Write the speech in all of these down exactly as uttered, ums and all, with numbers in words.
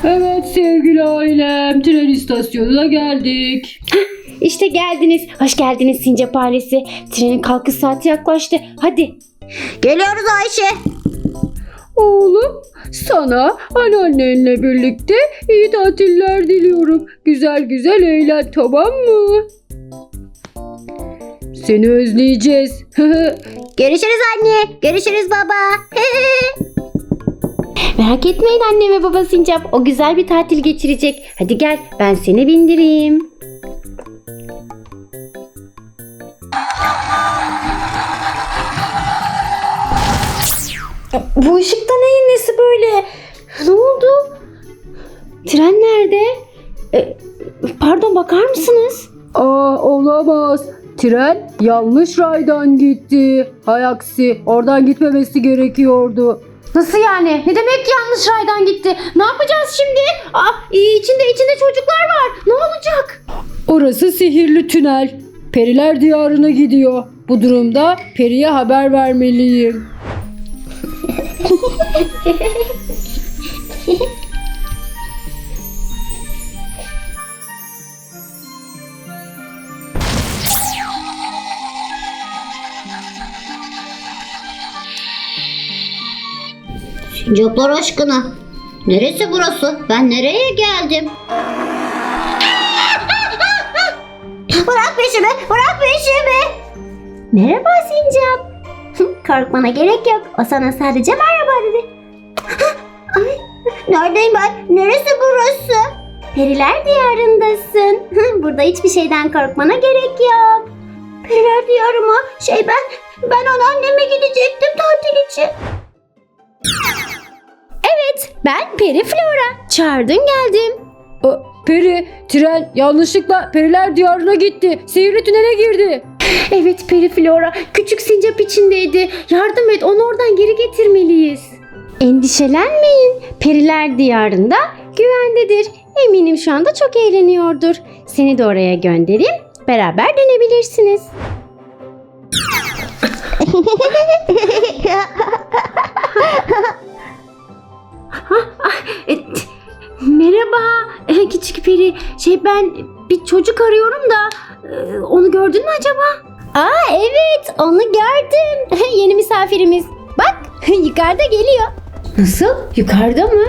Evet sevgili ailem, tren istasyonuna geldik. İşte geldiniz. Hoş geldiniz Sincap ailesi. Trenin kalkış saati yaklaştı. Hadi. Geliyoruz Ayşe. Oğlum, sana anneannenle birlikte iyi tatiller diliyorum. Güzel güzel eğlen, tamam mı? Seni özleyeceğiz. Görüşürüz anne. Görüşürüz baba. Merak etmeyin anne ve baba Sincap. O güzel bir tatil geçirecek. Hadi gel ben seni bindireyim. Bu ışıkta neyin nesi böyle? Ne oldu? Tren nerede? E, pardon bakar mısınız? Aa, olamaz. Tren yanlış raydan gitti. Hay aksi, oradan gitmemesi gerekiyordu. Nasıl yani? Ne demek yanlış raydan gitti? Ne yapacağız şimdi? Aa, içinde içinde çocuklar var. Ne olacak? Orası sihirli tünel. Periler diyarına gidiyor. Bu durumda Peri'ye haber vermeliyim. Sincaplar aşkına. Neresi burası? Ben nereye geldim? Bırak peşimi. Bırak peşimi. Merhaba Sincap. Korkmana gerek yok. O sana sadece merhaba dedi. Ay, neredeyim ben? Neresi burası? Periler diyarındasın. Burada hiçbir şeyden korkmana gerek yok. Periler diyarı mı? Şey ben, ben anneanneme gidecektim tatil için. Ben Peri Flora. Çağırdın geldim. Aa, Peri, tren yanlışlıkla Periler diyarına gitti. Sihirli tünele girdi. Evet Peri Flora. Küçük sincap içindeydi. Yardım et, onu oradan geri getirmeliyiz. Endişelenmeyin. Periler diyarında güvendedir. Eminim şu anda çok eğleniyordur. Seni de oraya göndereyim. Beraber dönebilirsiniz. E, merhaba e, küçük peri. Şey ben bir çocuk arıyorum da e, onu gördün mü acaba? Aa evet onu gördüm. Yeni misafirimiz. Bak yukarıda geliyor. Nasıl? Yukarıda mı?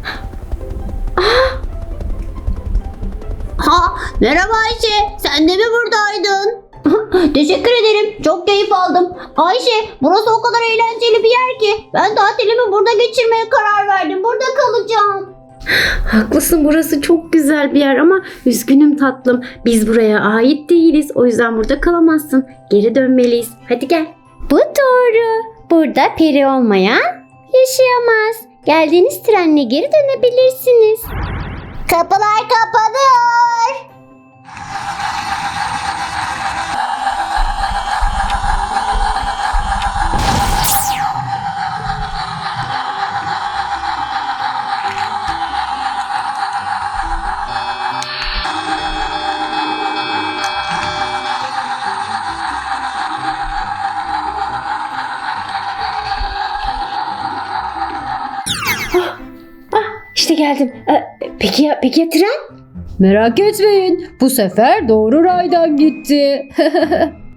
Ha, merhaba Ayşe. Sen de mi buradaydın? Teşekkür ederim. Çok keyif aldım. Ayşe, burası o kadar eğlenceli bir yer ki. Ben tatilimi burada geçirmeye karar verdim. Burada kalacağım. Haklısın, burası çok güzel bir yer ama üzgünüm tatlım. Biz buraya ait değiliz. O yüzden burada kalamazsın. Geri dönmeliyiz. Hadi gel. Bu doğru. Burada peri olmayan yaşayamaz. Geldiğiniz trenle geri dönebilirsiniz. Kapılar kapanıyor. İşte geldim. Ee, peki ya, peki ya tren? Merak etmeyin, bu sefer doğru raydan gitti.